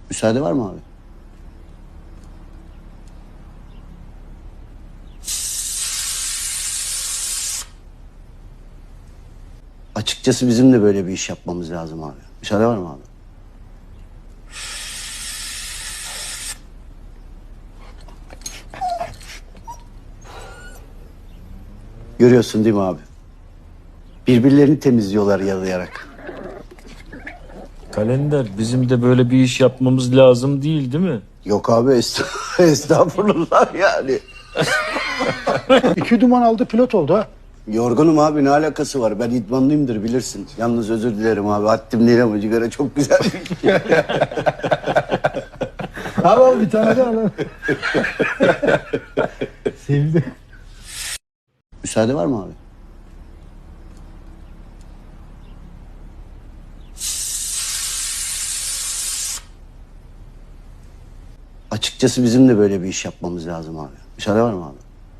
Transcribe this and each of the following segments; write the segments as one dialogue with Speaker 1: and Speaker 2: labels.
Speaker 1: Müsaade var mı abi? Açıkçası bizim de böyle bir iş yapmamız lazım abi. Müsaade var mı abi? Görüyorsun değil mi abi? Birbirlerini temizliyorlar yalayarak.
Speaker 2: Kalender, bizim de böyle bir iş yapmamız lazım değil mi?
Speaker 1: Yok abi estağfurullah yani.
Speaker 3: İki duman aldı pilot oldu ha.
Speaker 1: Yorgunum abi, ne alakası var? Ben idmanlıyımdır bilirsin. Yalnız özür dilerim abi. Haddim değil ama cigara çok güzel bir şey.
Speaker 3: Al bir tane daha al. Sevdi.
Speaker 1: Müsaade var mı abi? Açıkçası bizim de böyle bir iş yapmamız lazım abi. Müsaade var mı abi?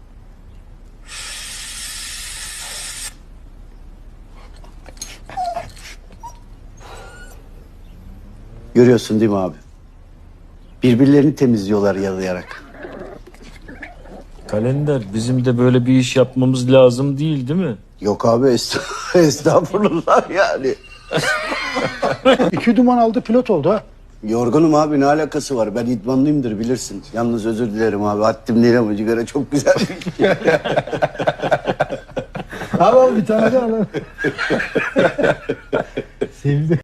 Speaker 1: Görüyorsun değil mi abi? Birbirlerini temizliyorlar yalayarak.
Speaker 2: Kalender, bizim de böyle bir iş yapmamız lazım değil mi?
Speaker 1: Yok abi estağfurullah yani.
Speaker 3: İki duman aldı pilot oldu ha.
Speaker 1: Yorgunum abi, ne alakası var? Ben idmanlıyımdır bilirsin. Yalnız özür dilerim abi. Haddim değil ama cigara çok güzel bir şey.
Speaker 3: Al bir tane daha al. Sevdi.